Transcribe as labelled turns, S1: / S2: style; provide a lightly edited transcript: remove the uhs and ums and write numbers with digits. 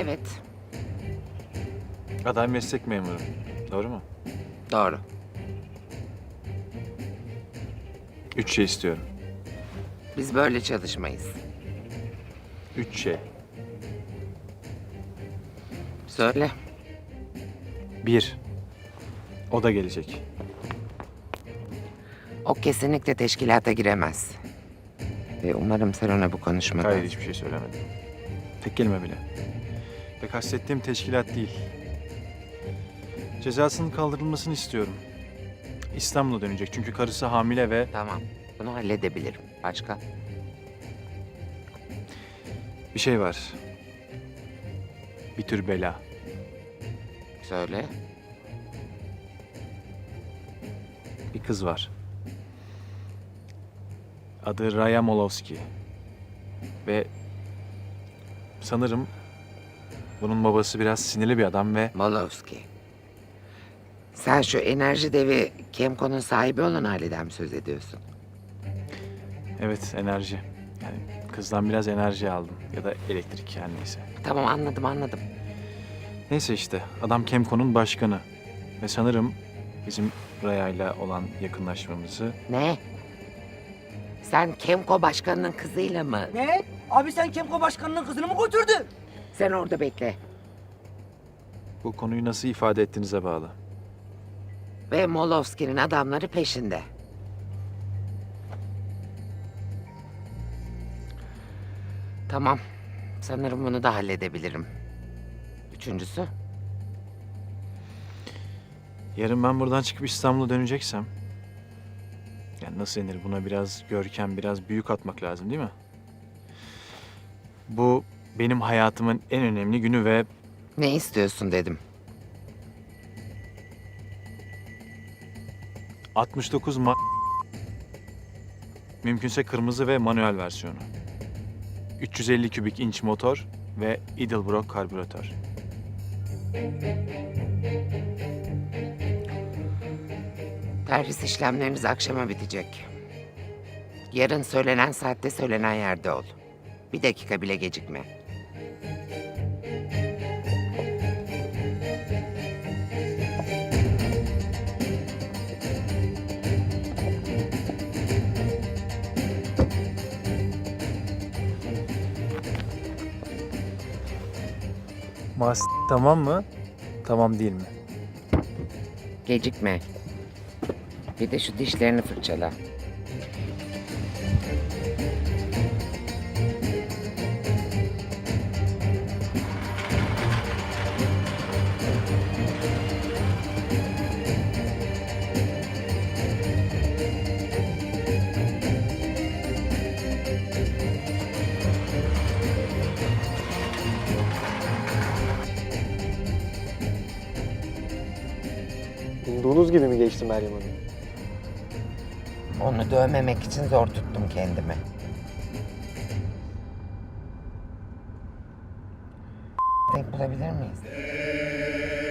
S1: Evet,
S2: Aday meslek memuru. Doğru mu?
S1: doğru.
S2: 3 şey istiyorum.
S1: Biz böyle çalışmayız.
S2: 3 şey.
S1: Söyle.
S2: 1. O da gelecek.
S1: O kesinlikle teşkilata giremez. Ve umarım sen ona bu konuşmadan...
S2: Hayır, hiçbir şey söylemedim. Tek kelime bile. Ve kastettiğim teşkilat değil. Cezasının kaldırılmasını istiyorum. İstanbul'a dönecek çünkü karısı hamile ve...
S1: Tamam, bunu halledebilirim. Başka?
S2: Bir şey var. Bir tür bela.
S1: Söyle.
S2: Bir kız var. Adı Raya Molovski. Ve sanırım bunun babası biraz sinirli bir adam ve
S1: Molovski. Sen şu enerji devi Kemco'nun sahibi olan aileden mi söz ediyorsun?
S2: evet, enerji. Yani kızdan biraz enerji aldım ya da elektrik, yani neyse.
S1: Tamam, anladım.
S2: Neyse işte adam Kemco'nun başkanı ve sanırım bizim Raya'yla olan yakınlaşmamızı...
S1: Ne? Sen Kemco başkanının kızıyla mı?
S3: Ne? Abi sen Kemko başkanının kızını mı götürdün?
S1: Sen orada bekle.
S2: Bu konuyu nasıl ifade ettiğinize bağlı.
S1: Ve Molovski'nin adamları peşinde. Tamam. Sanırım bunu da halledebilirim. Üçüncüsü?
S2: Yarın ben buradan çıkıp İstanbul'a döneceksem... Yani nasıl denir, buna biraz görkem, biraz büyük atmak lazım değil mi? Bu benim hayatımın en önemli günü ve
S1: Ne istiyorsun dedim.
S2: 69 mümkünse kırmızı ve manuel versiyonu. 350 kübik inç motor ve Edelbrock karbüratör.
S1: Terhis işlemleriniz akşama bitecek. Yarın söylenen saatte söylenen yerde ol. Bir dakika bile gecikme.
S2: Tamam mı? Tamam değil mi?
S1: Gecikme. Bir de şu dişlerini fırçala.
S4: Umduğunuz gibi mi geçti Meryem Hanım?
S1: Onu dövmemek için zor tuttum kendimi. Denk bulabilir miyiz?